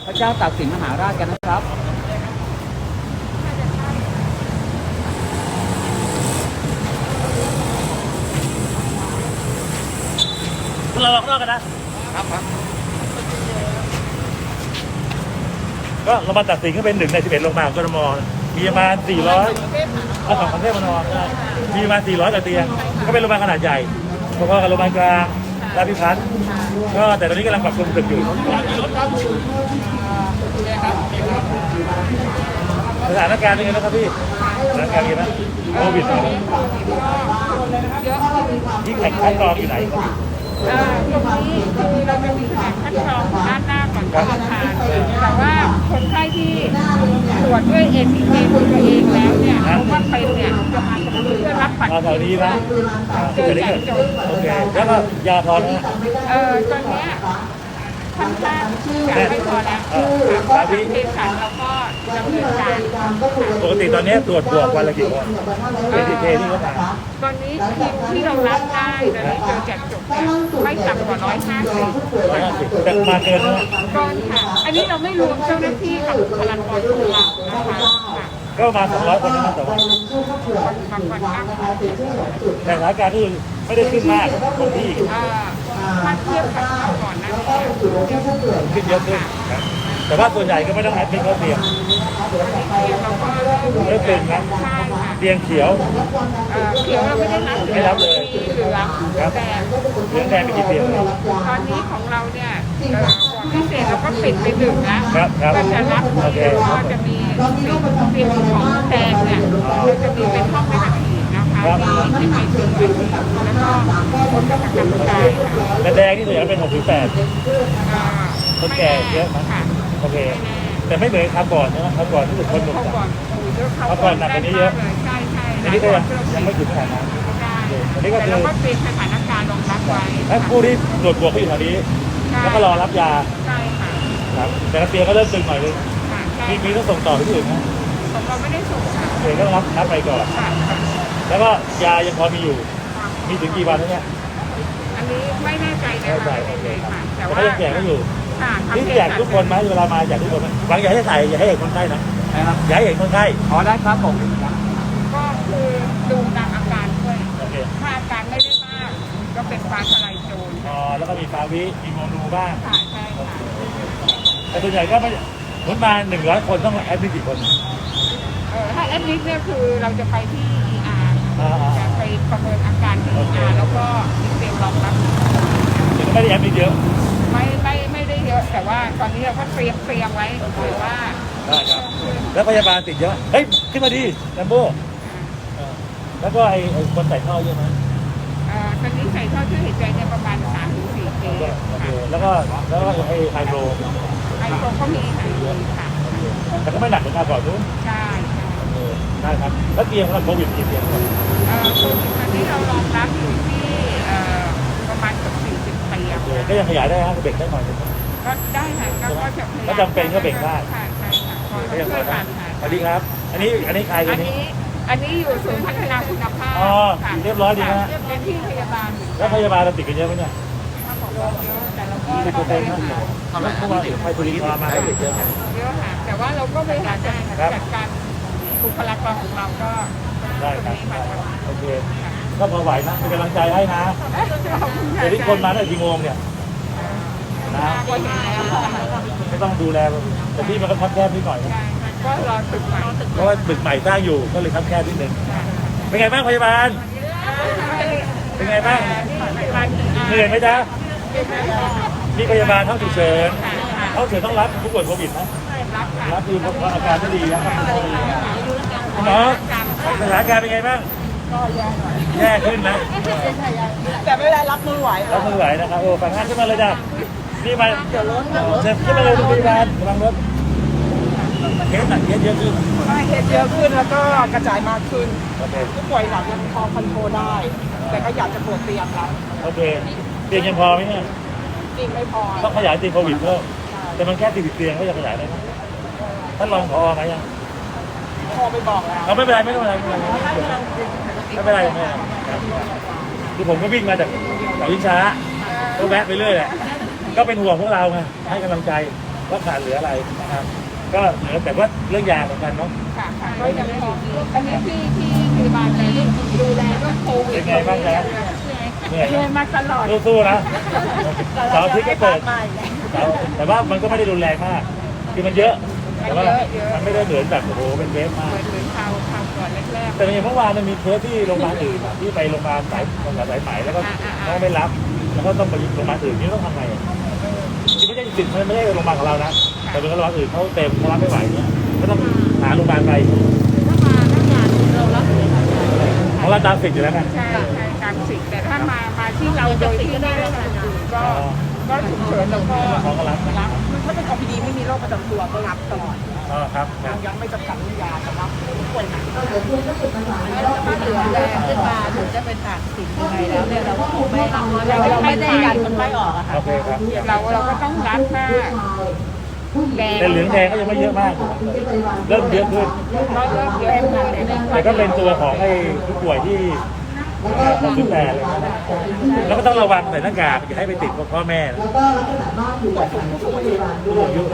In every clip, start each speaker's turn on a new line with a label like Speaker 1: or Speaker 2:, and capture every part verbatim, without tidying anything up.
Speaker 1: ระเจ้าตากสินมหาราชกันนะครับ
Speaker 2: เราออกนอกกันนะครับครับก็โรงพยาบาลตากสินก็เป็นหนึ่งในสิบเอ็ดโรงพยาบาลของกทมมีประมาณสี่ร้อยเอาของกรุงเทพมหานครมีประมาณสี่ร้อยกว่าเตียงก็เป็นโรงพยาบาลขนาดใหญ่พอๆกับโรงพยาบาลกลางราชพิพัฒน์ก็แต่ตอนนี้กำลังปรับปรุงตึกอยู่สถานการณ์เป็นไงนะครับพี่สถานการณ์เป็นไงบ้างโควิดที่แข่งขันกองอยู่ไหน
Speaker 3: ตรงนี้คือเราจะมีแผนคัดกรองด้านหน้าก่อนเข้าอาคารแต่ว่าคนไข้ที่ตรวจด้วย เอ ที เค ตัวเองแล้วเนี่ยเพราะว่าเป็นเนี่ยจะมาเพื่อรับบัตร
Speaker 2: แถวนี้นะเกิดอะไรขึ้นโอเคแล้วก็ยาพอนะ
Speaker 3: เออตอนนี้ค่อนข้างจะไม่พอแล้วเพราะที่เภสัชแล้วก็ดำเนินการ
Speaker 2: ปกติตอนนี้ตรวจบวกวันละกี่คน เอ ที เค ที่เขาถาม
Speaker 3: ตอนนี้ทีมที่เรารับได้ตอนนี้เจอแจกจบเนี่ยไม่ต่ำกว่าร้อยห้าสิบ
Speaker 2: ร้อยห้าสิบแต่มาเกินนะ
Speaker 3: เกินค่ะอันนี้เราไม่รวมเจ้าหน้าที่กับบุคลากรของเรานะคะ
Speaker 2: ก็มาสองร้อยคนนะแต่ว่าแต่สถานการณ์ที่ไม่ได้ขึ้นมากคงที่
Speaker 3: ถ้าเทียบกับก่อนนั้น
Speaker 2: ขึ้นเยอะขึ้นแต่ว่าส่วนใหญ่ก็ไม่ต้องแอดมิทเข้าเตียงเริ่มตึงนะเตียงเขียว
Speaker 3: เขียวเราไม่ได้รับ
Speaker 2: ไม่รับเลย
Speaker 3: เหลือง
Speaker 2: ครับเหลืองแดงไปกี่เตียง
Speaker 3: ตอนนี้ของเราเนี่ยพิเศษเราก็ปิดไปหนึ่งนะ
Speaker 2: ก็
Speaker 3: จะรับก็จะมีเตียงของแดงเนี่ยจะมีเป็นห้องไม่กระถิ่นนะคะที่ไม่ถึงแล้วก็คนกระจายกระจาย
Speaker 2: และแดงที่ส่วนใหญ่เป็นหกถึงแปดคนแก่เยอะมั้ยโอเคแต่ไม่เหมือนครั้งก่อนนะครั้งก่อนที่สุดคนหนุ่มจังครั้งก่อนหนักกว่านี้เยอะ
Speaker 3: ใช่ใช่
Speaker 2: อันนี้ก็ยังไม่ถึงขนาดนั้นอันนี้ก็คือ
Speaker 3: เราก็เป็นสถานการณ์รองรับไว้
Speaker 2: และผู้ที่ตรวจบวกก็อยู่แถวนี้แล้วก็รอรับยา
Speaker 3: ใช่ค่ะ
Speaker 2: ครับแต่ละเตียงก็เริ่มตึงหน่อยนึงมีมีต้องส่งต่อไปที่อื่นนะ
Speaker 3: ของเราไม่ได้ส่งค่ะ
Speaker 2: เดี๋ยวก็ต้องรับรับไปก่อนแล้วก็ยายังพอมีอยู่มีถึงกี่วันแล้วเนี่ย
Speaker 3: อันนี้ไม่แน่ใจนะคะไม่แน่ใจค่ะแต่ว่า
Speaker 2: ยังแจกไม่อยู่นี่แจกทุกคนไหมเวลามาแจกทุกคนไหมบางอย่าให้ใส่อย่าให้เห็นคนไข้นะอย่าให้เห็นคนไข้
Speaker 1: อ๋อได้ครับผม
Speaker 3: ก็คือดูตามอาการด้วยถ้าอาการไม่ได้มากก็เป็นฟ้าทลายโจร
Speaker 2: อ๋อแล้วก็มีฟาวิมีโมนูบ้าง
Speaker 3: ค่ะใช่ค่ะ
Speaker 2: แต่ส่วนใหญ่ก็ไม่ผลมาหนึ่งร้อยคนต้องแอดมิทกี่คน
Speaker 3: เออถ้าแอดมิทเนี่ยคือเราจะไปที่ อี อาร์ จะไปประเมินอาการที่ อี อาร์ แล้วก็เตรียมรองรับ
Speaker 2: แต่ก็ไม่ได้แอดมิทเยอะ
Speaker 3: ไม่ไม่ไม่ได้เยอะแต่ว่าตอนนี้เราก็เตรียมเตรียมไว้เผื่อว่า
Speaker 2: ได้ครับแล้วพยาบาลติดเยอะเฮ้ยขึ้นมาดีแลมโบ้แล้วก็ไอ้คนใส่ท่อเยอะไหม
Speaker 3: อ่าตอนนี้ใส่ท่อช่วยหายใจเนี่ยประมาณสามถึงสี่เคส
Speaker 2: แล้วก็แล้วก็ไอ้ไฮโดร
Speaker 3: ไฮโดรก็มีค่ะค่ะ
Speaker 2: แต่ก็ไม่หนักเหมือนการก่อนนู้น
Speaker 3: ใช่
Speaker 2: ได้ครับแล้วเตียงเราโควิดกี่เตียงครับ
Speaker 3: เอ่อโควิดตอนนี้เรารองรับอยู่ที่เอ่อประมาณเกือบสี่สิบเตียง
Speaker 2: ก็ยังขยายได้ฮะเบรกได้หน่อย
Speaker 3: ก็ได้ค่ะก็จะพยายาม
Speaker 2: ก็จำเป็นก็เบรกได้
Speaker 3: ค่ะใช่ค่ะก็ช่วยกันค่ะ
Speaker 2: สวัสดีครับอันนี้อันนี้ใคร
Speaker 3: อั
Speaker 2: นนี้
Speaker 3: อันนี้อยู่ศูนย์พัฒนาคุณภาพ
Speaker 2: อ๋อเรียบร้อยดีนะ
Speaker 3: เป็นที่พยาบาล
Speaker 2: แล้วพยาบาลเราติดกันเยอะไหมเนี่ย
Speaker 3: แต่เราก็
Speaker 2: ติดตัวเองนะทำไมเพราะว่าไปตุลิมาให้ติดเยอะ
Speaker 3: เยอะค่ะแต่ว่าเราก็บริหารจัดการบุคลากรของเราก็
Speaker 2: ได้ครับโอเคก็พอไหวนะเป็นกำลังใจให้นะเดี๋ยวที่คนมาได้กี่โมงเนี่ยนะไม่ต้องดูแลแต่ที่มันก็คับแคบนิดหน่อยนะ
Speaker 3: ก็รอตึกใหม่
Speaker 2: เพราะว่าตึกใหม่สร้างอยู่ก็เลยคับแคบนิดนึงเป็นไงบ้างพยาบาลเป็นไงบ้างเหนื่อยไหมจ๊ะมีพยาบาลห้องฉุกเฉินห้องฉุกเฉินต้องรับผู้ป่วยโควิดนะรับคือเพราะอาการไม่ดีนะหมอสถานการณ์เป็นไงบ้าง
Speaker 3: ก็แย่หน่อย
Speaker 2: แย่ขึ้นนะ
Speaker 3: แต่ไม่ได้รับมือไหว
Speaker 2: รับมือไหวนะครับโอ้ฝั่งงานขึ้นมาเลยจ้ะนี่มาเดี๋ยวรถเชิญขึ้นมาเลยพยาบาลกำลังรถเคสหนักเคสเยอะขึ้น
Speaker 3: เคสเยอะขึ้นแล้วก็กระจายมากขึ้นผู้ป่วยหนักยังพอคอนโทรลได้แต่ก็อยากจะเปิดเตียงแล้ว
Speaker 2: โอเคเตียงยังพอไหมเนี่ย
Speaker 3: จริงไม่พอ
Speaker 2: ต้องขยายเตียงโควิดเพิ่มแต่มันแค่สี่สิบเตียงก็จะขยายได้ไหมท่านรองผอไหมยัง
Speaker 3: พอไปบอกแล้ว
Speaker 2: เราไม่เป็นไรไม่เป็นไรไม่เป็นไรไม่เป็นไรไม่เป็นไรคือผมก็วิ่งมาจากเสาชิงช้าก็แวะไปเรื่อยแหละก็เป็นห่วงพวกเราไงให้กำลังใจว่าขาดเหลืออะไรนะครับก็เหลือแต่ว่าเรื่องยาเหมือนกันเนาะ
Speaker 3: ค่ะค่ะก็ยังพออันนี้ที่ที่พยาบาลในดูแลเรื่องโควิด
Speaker 2: เป็นไงบ้างจ๊ะเหนื่อย
Speaker 3: เหนื่อยมาตลอด
Speaker 2: สู้ๆนะเสาร์อาทิตย์ก็เปิดแต่ว่ามันก็ไม่ได้รุนแรงมากคือมันเยอะแต่ว่ามันไม่ได้เหมือนแบบโอ้โหเป็นเวฟมาก
Speaker 3: เหมือนเหมือนข่าวข่าวก่อนแรก
Speaker 2: แต่อย่างเมื่อวานมันมีเคสที่โรงพยาบาลอื่นอะที่ไปโรงพยาบาลสายโรงพยาบาลสายไหมแล้วก็เขาไม่รับแล้วก็ต้องไปโรงพยาบาลอื่นนี่ต้องทำไงอะที่ไม่ใช่สิทธิ์ไม่ใช่โรงพยาบาลของเรานะแต่เป็นโรงพยาบาลอื่นเขาเต็มเขารับไม่ไหวเนี่ยก็ต้องหาโรงพยาบาลไป
Speaker 3: ๆถ้ามาหน้างานเรารับเลยค่ะ
Speaker 2: ของเราตามสิทธิ์อยู่แล้วไง
Speaker 3: ใช่ใช่ตามสิทธิ์แต่ถ้ามามาที่เราโดยที่ไม่ได้รับการอื่นก็ก็ฉุกเฉินแล้วก็
Speaker 2: เขาก็รับนะ
Speaker 3: รับถ้าเป็น โอ พี ดี ไม่มีโรคประจำตัวก็รับตลอด
Speaker 2: อ๋อครับครับ
Speaker 3: ยังไม่จำกัดเรื่องยาสำหรับผู้ป่วยหนัก
Speaker 4: ถ้าเหลือแรงขึ้นมาถึงจะเป็นตัดสินยังไงแล้วเนี่ยเราก็คงไม่เราเราไม่ได้ยันคนไข้ออกอะค่ะ
Speaker 2: โอเคครับ
Speaker 3: เราเราก็ต้องรับถ้าแดง
Speaker 2: แต่เหลืองแดงก็ยังไม่เยอะมากเริ่มเยอะขึ้น
Speaker 3: ก็เริ่มเยอะขึ้นแต่
Speaker 2: แต่ก็เป็นตัวของไอ้ผู้ป่วยที่คนดูแลเลยนะแล้วก็ต้องระวังใส่หน้ากากอย่าให้ไปติดพ่อแม่นะผู้สูงอายุ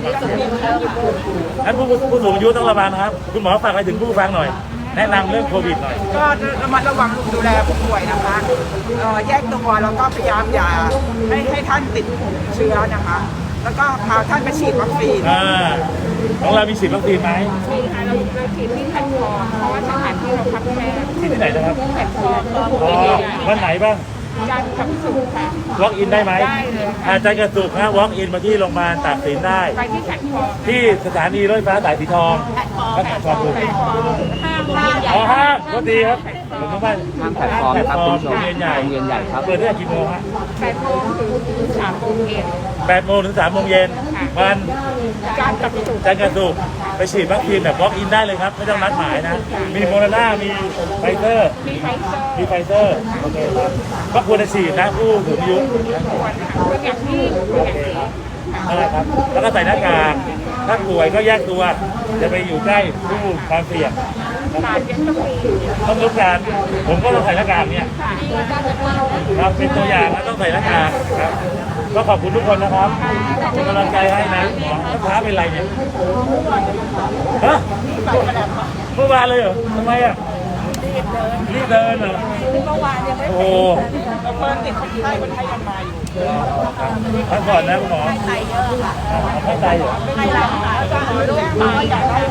Speaker 2: งั้นผู้ผู้สูงอายุต้องระวังนะครับคุณหมอฝากอะไรถึงผู้ฟังหน่อย แนะนำเรื่องโควิดหน่อย
Speaker 5: ก็ระมัดระวังดูแลผู้ป่วยนะคะเอ่อแยกตัวแล้วก็พยายามอย่าให้ให้ท่านติดเชื้อนะคะ แล้วก็พาท่านไปฉีดวัคซีน
Speaker 2: อ่าของเรามีฉีดวัคซีนไหม
Speaker 3: มีค่ะเราเราฉีดที่แพลตฟอร์มเพราะว่าสถานที่เราพักแค่
Speaker 2: ฉีดที่ไหนนะครับ
Speaker 3: แพลตฟอร์ม
Speaker 2: อ๋อวันไหนบ้าง
Speaker 3: จันทร์กับศุกร์ค่ะ
Speaker 2: walk in ได้ไหม
Speaker 3: ได้เลยค่ะ
Speaker 2: อาจารย์กระสุกนะ walk in มาที่โรงพยาบาลตากสินได้
Speaker 3: ไปที่แพลตฟอร์ม
Speaker 2: ที่สถานีรถไฟฟ้าสายสีทองก็แพลตฟอร์มถูก
Speaker 3: แพลตฟอร์มห้างห้างใหญ่
Speaker 2: อ๋อห้างก็ดีครับผมว่า
Speaker 1: ทางแพลตฟอร์มครับคุณผู้ชม
Speaker 2: โรงเรียนใหญ่
Speaker 1: โรงเรียนใหญ่ครับ
Speaker 2: เปิดตั้งแต่กี่โมงฮะ
Speaker 3: แปดโมงถึงสามโมงเย็น
Speaker 2: แปดโมงถึงสามโมงเย็นวัน
Speaker 3: จันทร์กับศุกร์
Speaker 2: จันทร์กระสุกไปฉีดวัคซีนแบบ walk in ได้เลยครับ ไม่ต้องนัดหมายนะ มีโมเดอร์นามีไฟเซอร์
Speaker 3: มีไฟเซอร์
Speaker 2: มีไฟเซอร์โอเคครับก็ควรจะฉีดนะผู้สูงอายุ
Speaker 3: ควรค่ะควรอย่างที่ควร
Speaker 2: โอ
Speaker 3: อย่าง
Speaker 2: เค
Speaker 3: ที่
Speaker 2: ครับนั่นแหละครับ แล้วก็ใส่หน้ากากถ้าป่วยก็แยกตัวจะไปอยู่ใกล้ผู้ความเสี่ยง
Speaker 3: บาทยังต้องมี
Speaker 2: ต้องรู้การผมก็ต้องใส่หน้ากากเนี่ย
Speaker 3: ค่ะ
Speaker 2: ครับเป็นตัวอย่างแล้วต้องใส่หน้ากากครับก็ขอบคุณทุกคนนะครับเป็นกำลังใจให้นะหมอถ้าท้าเป็นไรเนี่ยฮะเมื่อวานเลยเหรอทำไมอ่ะรีบเดินเหรอ
Speaker 4: เมื่อวานยังไม่
Speaker 2: โอ้โห
Speaker 5: เปิดติดคนไข้คนไข้ยังมาอยู่
Speaker 2: ครับพักก่อนนะคุณหมอ
Speaker 4: ไตเยอะค่ะ
Speaker 2: ไม่ใจเหรอ
Speaker 4: ไม่รับค่ะแล้วก็ลูกตายอยากได้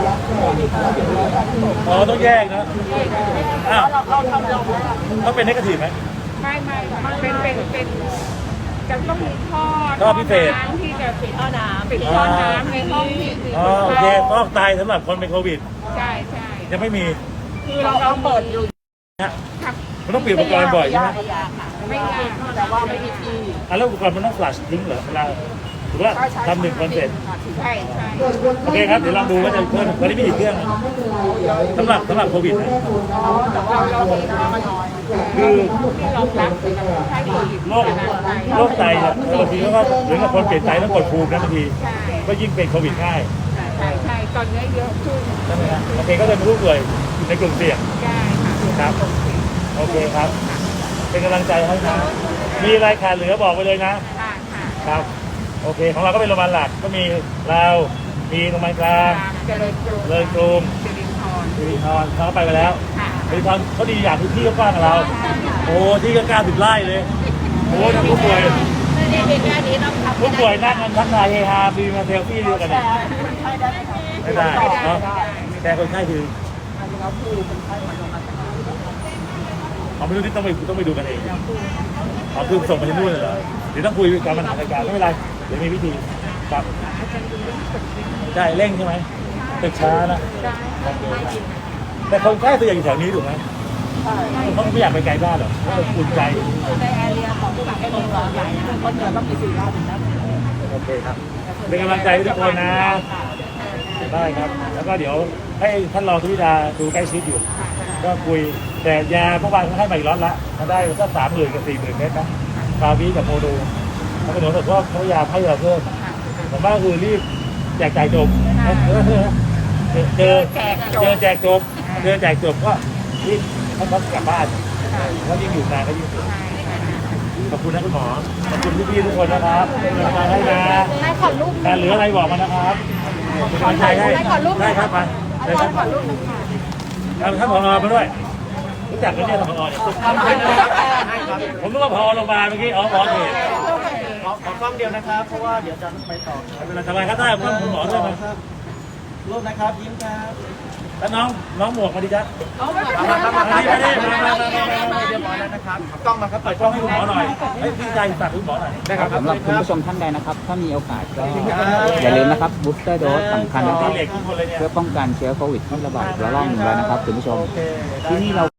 Speaker 2: อ๋อต้องแยกนะอ้าว
Speaker 5: เราทำเรา
Speaker 2: ต้องเป็นเนกาทีฟไหม
Speaker 3: ไม่ไม่มันเป็นเป็นเป็นจะต้องมีท่อ
Speaker 2: ท่อพิเศษ
Speaker 3: น้ำที่จะปิด
Speaker 4: ท่อน้ำ
Speaker 3: ปิดท่อน้ำในห้องที่
Speaker 2: อ๋อโอเคฟอกไตสำหรับคนเป็นโควิด
Speaker 3: ใช่ใช่
Speaker 2: ยังไม่มี
Speaker 3: คือเราเราเปิดอยู่
Speaker 2: นะ
Speaker 3: ครับ
Speaker 2: มันต้องเปลี่ยนอุปกรณ์บ่อยใช่ไหม
Speaker 3: ไม่ยาก
Speaker 5: แต่ว่าไม่มีที่
Speaker 2: อ่ะแล้วอุปกรณ์มันต้องฟลัชทิ้งเหรอเวลาหรือว่าทำหนึ่งคนเสร็จ
Speaker 3: ใช่ใช่
Speaker 2: โอเคครับ เดี๋ยวลองดูว่าจะเพิ่มวันนี้มีกี่เครื่องสำหรับสำหรับโควิดนะ
Speaker 3: เราเรามีท่อมาน้อย
Speaker 2: คือ
Speaker 3: ที่รองรับสำหรับใช้โควิด
Speaker 2: โรคโรคไตเนี่ยบางทีก็เหมือนกับคนเปลี่ยนไตต้องกดภูมินะบางที
Speaker 3: ใช่
Speaker 2: ก็ยิ่งเป็นโควิดง่าย
Speaker 3: ใช่ใช่ตอนนี้เยอะขึ้น
Speaker 2: ใช่ไหมฮะโอเคก็เป็นผู้ป่วยในกลุ่มเสี่ยง
Speaker 3: ได้ค่ะ
Speaker 2: ครับโอเคครับ เป็นกำลังใจให้นะมีอะไรขาดเหลือบอกไปเลยนะ
Speaker 3: ค่ะค่ะ
Speaker 2: ครับโอเคของเราก็เป็นโรงพยาบาลหลักก็มีเรามีโรงพยาบาลกลาง
Speaker 3: ตามเจริญกรุง
Speaker 2: เลยกรุง
Speaker 3: สิรินทร
Speaker 2: สิรินทรเขาก็ไปกันแล้ว
Speaker 3: ค่ะ
Speaker 2: สิรินทรเขาดีอย่างที่ที่ก็กว้างกับเรา โอ้ที่ก็เก้าสิบไร่เลยโอ้ทั้งผู้ป่วย
Speaker 4: นี่เป็นแค่นี้ต้องทำ
Speaker 2: ผู้ป่วยนั่งกันทักทายเฮฮามีมาเซลฟี่ด้วยกันเนี่ยไม่ได้เนาะแต่คนไข้คืออ๋อไม่รู้ที่ต้องไปต้องไปดูกันเองอ๋อคือส่งไปที่นู่นเลยเหรอเดี๋ยวต้องคุยกับปัญหาในการไม่เป็นไรเดี๋ยวมีวิธีครับใช่เร่งใช่ไหมตึกช้านะโอเคครับแต่คนไข้ตัวใหญ่อยู่แถวนี้ถูกไหมเขาไม่อยากไปไกลบ้านหรอกเขาอุ่นใจ
Speaker 4: ในแอเรียของผู้บาดเจ็บร้อนใหญ่คนเหนือต้องมีสี่รอบถึงจะ
Speaker 2: โอเคครับเป็นกำลังใจให้ทุกคนนะได้ครับ แล้วก็เดี๋ยวให้ท่านรองสุวิดาดูใกล้ชิดอยู่ ก็คุยแต่ยาเมื่อวานเขาให้มาอีกล็อตละมาได้สักสามหมื่นกับสี่หมื่นเมตรนะฟาวิกับโมดูแล้วก็หนูบอกว่าเขาพยายามให้เราเพิ่มผมว่าคือรีบแจกจ่ายจบเจอเจอแจกจบเจอแจกจบก็รีบให้เขากลับบ้านแล้วยิ่งอยู่นานก็ยิ่งสวยขอบคุณนะคุณหมอขอบคุณพี่ๆทุกคนนะครับเป็นกำลังใจให้นะ
Speaker 3: ให้ขอรูป
Speaker 2: แต่เหลืออะไรบอกมานะครับเป็นกำลังใจให้
Speaker 3: ให้ขอรูป
Speaker 2: ได้ครับไป
Speaker 3: อา
Speaker 2: ได้
Speaker 3: จา
Speaker 2: ค
Speaker 3: ร
Speaker 2: รับ
Speaker 3: ย์ขอรูปหนึ่งค่ะ
Speaker 2: เอาท่านผอมาด้วยรู้จักกันเนี่ยท่านผอเนี่ยผมนึกว่าผอโรงพยาบาลเมื่อกี้อ๋อหมอเขต
Speaker 1: ขอขอกล้องเดียวนะครับ เพราะว่าเดี๋ยวจะไปต่อ
Speaker 2: ไม่เป็นไรสบายครับได้ครับคุณหมอด้วยมา
Speaker 1: รูปนะครับ ยิ้มครับ
Speaker 2: แล้วน้องน้องหมวกมาดิจ๊ะ
Speaker 1: เอามาครับมาครับ
Speaker 2: มาดิมาดิมามามามา
Speaker 1: เรียบร้อยแล้วนะครับกล้องมาครับ
Speaker 2: เปิดกล้องให้คุณหมอหน่อยเฮ้ยพี่ใจฝากคุณหมอหน่อย
Speaker 1: ได้ครับ
Speaker 6: สำหรับคุณผู้ชมท่านใดนะครับ ถ้ามีโอกาสก็อย่าลืมนะครับบูสเตอร์โดสสำคัญนะค
Speaker 2: ตี
Speaker 6: รับ
Speaker 2: เหล็กทุกคนเลยเนี่ย
Speaker 6: เพื่อป้องกันเชื้อโควิดที่ระบาดระลอกหนึ่งแล้วนะครับคุณผู้ชมที่นี่เรา